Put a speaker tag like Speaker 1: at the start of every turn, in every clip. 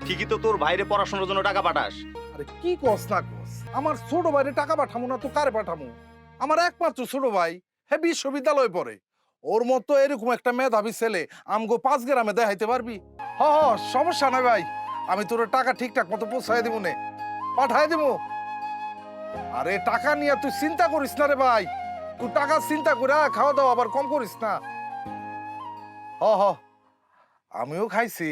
Speaker 1: ঠিকই তো তোর ভাইরে পড়াশোনার জন্য টাকা পাঠাস।
Speaker 2: আরে কি কস না কস, আমার ছোট ভাইরে টাকা পাঠামু না তো কারে পাঠামু? আমার একমাত্র ছোট ভাই, হ্যাঁ বিশ্ববিদ্যালয়ে পড়ে। ওর মতো এরকম একটা মেধাবী ছেলে আমগো 5 গ্রামে দেখাইতে পারবি? হ হ, সমস্যা নাই ভাই, আমি তোর টাকা ঠিকঠাক মতো পৌঁছাই দিব নে, পাঠাই দিব। আরে টাকা নিয়ে তুই চিন্তা করিস না রে ভাই, তুই টাকা চিন্তা করে খাওয়া দাওয়া আবার কম করিস না। হ হ, আমিও খাইছি।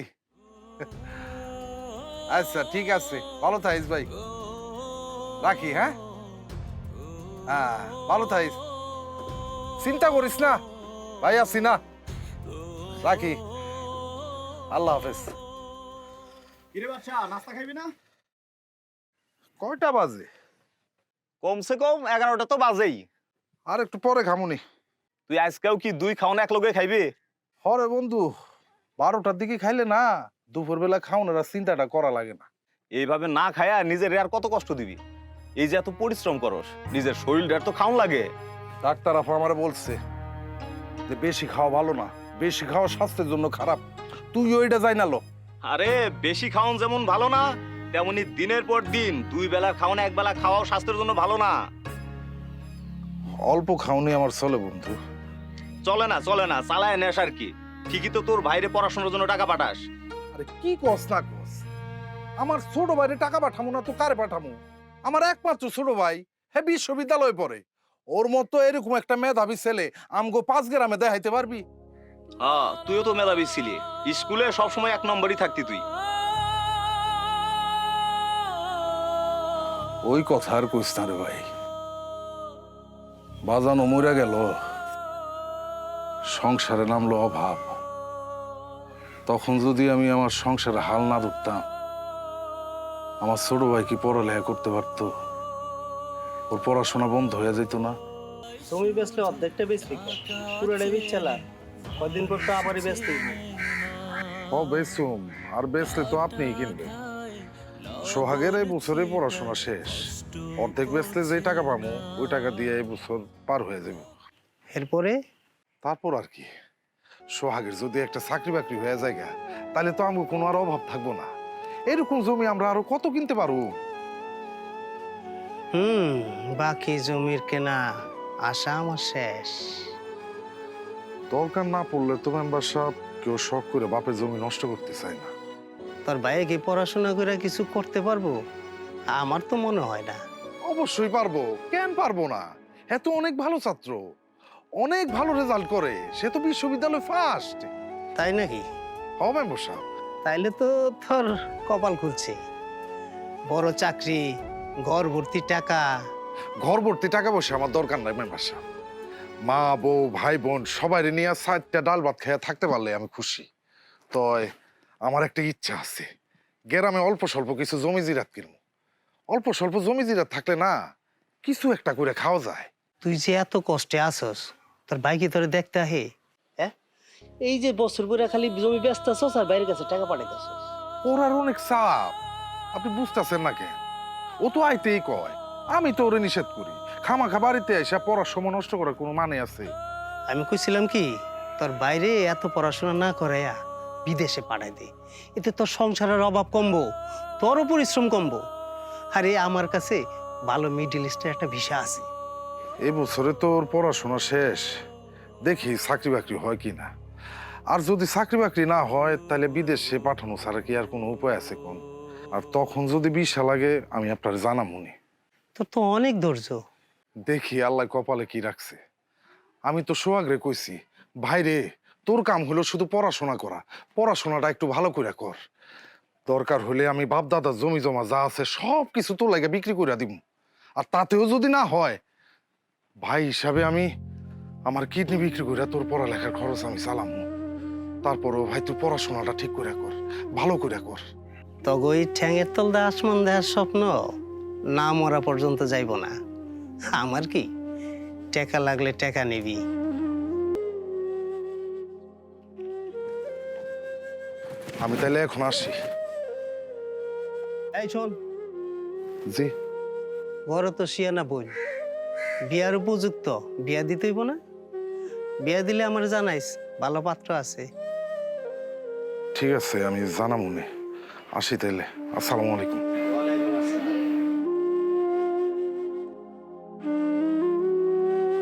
Speaker 2: আচ্ছা ঠিক আছে, ভালো থাকিস ভাই, রাখি। হ্যাঁ হ্যাঁ, ভালো থাকিস, চিন্তা করিস না ভাই, আছি না, রাখি, আল্লাহ হাফেজ।
Speaker 3: কিরে বাচ্চা, নাস্তা খাইবি না?
Speaker 2: কয়টা বাজে?
Speaker 1: কমসে কম 11টা তো বাজেই।
Speaker 2: আর একটু পরে খামুনি।
Speaker 1: তুই আজকেও কি দুই খাওন এক লগে খাইবি?
Speaker 2: হরে বন্ধু, 12টার দিকে খাইলে না দুপুরবেলা খাওনের আর চিন্তাটা করা লাগে না।
Speaker 1: এইভাবে না খায়া নিজের আর কত কষ্ট দিবি? এই যে এত পরিশ্রম করস, নিজের শরীরটার তো খাওন লাগে।
Speaker 2: ডাক্তার আপা আমারে বলছে যে বেশি খাওয়া ভালো না, বেশি খাওয়া স্বাস্থ্যের জন্য খারাপ। তুই ওইটা যাই না লো।
Speaker 1: আরে বেশি খাওন যেমন ভালো না, তেমনি দিনের পর দিন 2 বেলার খাওন 1 বেলা খাওয়াও স্বাস্থ্যের জন্য ভালো না।
Speaker 2: অল্প খাওনি আমার চলে বন্ধু।
Speaker 1: চলে না চালায় নেস আর কি। ঠিকই তো তোর ভাইরে পড়াশোনার জন্য টাকা পাঠাস।
Speaker 2: আরে কি কস না কস, আমার ছোট ভাইরে টাকা পাঠামু না তো কারে পাঠামু? আমার একমাত্র ছোট ভাই, হ্যাঁ বিশ্ববিদ্যালয়ে পড়ে। ওর মতো এরকম একটা মেধাবী ছেলে আমগো 5 গ্রামে দেখাইতে পারবি?
Speaker 1: হ্যাঁ, তুইও তো মেধাবী ছিলি, স্কুলে সবসময় 1 নম্বরই থাকতি তুই।
Speaker 2: ওই কথা আর কইস না রে ভাই, বাজানো মরে গেল, সংসারে নামলো অভাব। তখন যদি আমি আমার সংসারে হাল না ধরতাম, আমার ছোট ভাই কি পড়ালেখা করতে পারতো? ওর পড়াশোনা বন্ধ হয়ে যেত না?
Speaker 4: জমি বেচলে অর্ধেকটা বেচলি, পুরোটাই বেচলা, কয়দিন পর তো আবারই বেচতে
Speaker 2: ও বেচুম, আর বেচলে তো আপনিই কিনবেন। সোহাগের এই বছরে পড়াশোনা শেষ, অর্ধেক বেচলে যে টাকা পাবো ওই টাকা দিয়ে এই বছর পার হয়ে যাবে।
Speaker 4: এরপরে
Speaker 2: তারপর আর কি, সোহাগের যদি একটা চাকরি বাকরি হয়ে যায় তাহলে তো আমার কোনো আর অভাব থাকবো না। এরকম জমি আমরা আরো কত কিনতে পারবো।
Speaker 4: বাকি জমির কেনা আশা আমার শেষ।
Speaker 2: দরকার না পড়লে তো মেম্বার সাহেব কেউ শখ করে বাপের জমি নষ্ট করতে চায় না।
Speaker 4: তোর ভাইয়ে কি পড়াশোনা করে কিছু করতে পারবো? আমার তো মনে হয় না।
Speaker 2: অবশ্যই পারবো, কেন পারবো না? হ্যাঁ তো অনেক ভালো ছাত্র, অনেক ভালো রেজাল্ট করে, সে তো বিশ্ববিদ্যালয় ফার্স্ট।
Speaker 4: তাই নাকি?
Speaker 2: হ্যাঁ মেম্বার সাহেব।
Speaker 4: তাইলে তো তোর কপাল খুলছে, বড় চাকরি, ঘর ভর্তি টাকা।
Speaker 2: ঘর ভর্তি টাকা পয়সা আমার দরকার নাই মেম্বার সাহেব, মা বউ ভাই বোন সবাই নিয়ে 4টা ডাল ভাত খেয়ে থাকতে পারলে আমি খুশি। তয় আমার একটা ইচ্ছা আছে, গ্রামে অল্প স্বল্প কিছু জমি জিরাত কিনবো। অল্প স্বল্প জমি জিরাত থাকলে না কিছু একটা করে খাওয়া যায়।
Speaker 4: তুই যে এত কষ্টে আসস, তোর ভাই কি তোরে দেখতে আহে? হ্যাঁ, এই যে বছর করে খালি জমি ব্যস্ত আসস আর বাইরের কাছে টাকা পাঠাইতেছস।
Speaker 2: ওর আর অনেক চাপ, আপনি বুঝতেছেন না কেন? ও তো আইতেই কয়, আমি তো ওরে নিষেধ করি। খামাখা বাড়িতে এসে পড়ার সময় নষ্ট করার কোনো মানে আছে?
Speaker 4: আমি কইছিলাম কি, তোর বাইরে এত পড়াশোনা না করাইয়া বিদেশে পাঠাই দে, এতে তোর সংসারের অভাব কমবো, তোরও পরিশ্রম কমবো। আরে আমার কাছে ভালো মিডল ইস্টের একটা ভিসা আছে।
Speaker 2: এই বছরে তো ওর পড়াশোনা শেষ, দেখি চাকরি বাকরি হয় কি না। আর যদি চাকরি বাকরি না হয় তাহলে বিদেশে পাঠানো ছাড়া কি আর কোনো উপায় আছে কোন? আর তখন যদি ভিসা লাগে আমি আপনার জানামুনি।
Speaker 4: তোর তো অনেক ধৈর্য।
Speaker 2: দেখি আল্লাহ কপালে কি রাখছে। আমি তো সোহাগরে কইছি, ভাইরে তোর কাম হলো শুধু পড়াশোনা করা, পড়াশোনাটা একটু ভালো করে কর। দরকার হলে আমি বাপ দাদার জমি জমা যা আছে সব কিছু তোর লাগে বিক্রি করে দিব। আর তাতেও যদি না হয়, ভাই হিসাবে আমি আমার কিডনি বিক্রি করে তোর পড়ালেখার খরচ আমি চালামু। তারপরও ভাই তুই পড়াশোনাটা ঠিক করে কর, ভালো করে কর।
Speaker 4: তগো এই ঠ্যাঙের তল দা আসমান দেখার স্বপ্ন না মরা পর্যন্ত যাইব না। আমার কি, টাকা লাগলে টাকা নিবি।
Speaker 2: আমি তাইলে এখন আসি।
Speaker 4: এই শোন,
Speaker 2: জি।
Speaker 4: বড় তো শিয়ানা বোন, বিয়ার উপযুক্ত, বিয়া দিতে হইব না? বিয়া দিলে আমার জানাইস, ভালো পাত্র আছে।
Speaker 2: ঠিক আছে, আমি জানামুনি। আসি তাইলে, আসসালামু আলাইকুম।